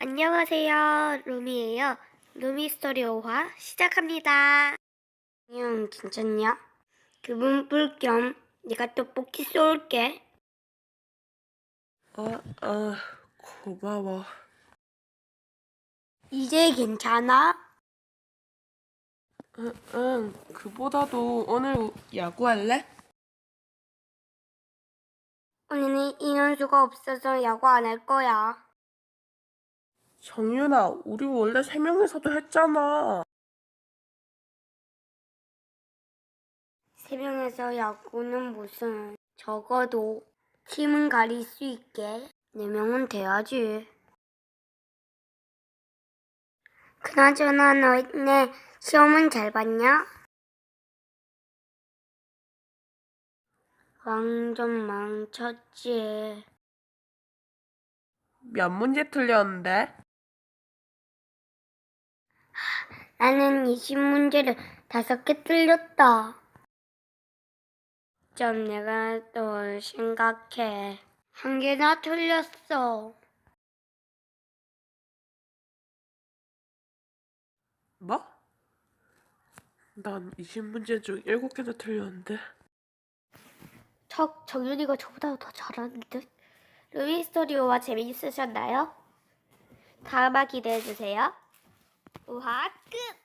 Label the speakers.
Speaker 1: 안녕하세요. 루미예요. 루미 스토리 5화 시작합니다. 형 괜찮냐? 기분 풀 겸 내가 떡볶이 쏠게.
Speaker 2: 고마워.
Speaker 1: 이제 괜찮아?
Speaker 2: 응, 그보다도 오늘 야구할래?
Speaker 1: 오늘은 인원수가 없어서 야구 안 할 거야.
Speaker 2: 정윤아, 우리 원래 3명이서도 했잖아.
Speaker 1: 3명에서 야구는 무슨, 적어도 팀은 가릴 수 있게 4명은 돼야지. 그나저나 너네 시험은 잘 봤냐? 완전 망쳤지.
Speaker 2: 몇 문제 틀렸는데?
Speaker 1: 나는 20문제를 5개 틀렸다. 좀 내가 또 심각해. 1개나 틀렸어.
Speaker 2: 뭐? 난 20문제 중 7개나 틀렸는데.
Speaker 1: 정윤이가 저보다 더 잘하는 듯? 루이 스토리오와 재미있으셨나요? 다음화 기대해주세요. 우화 끝!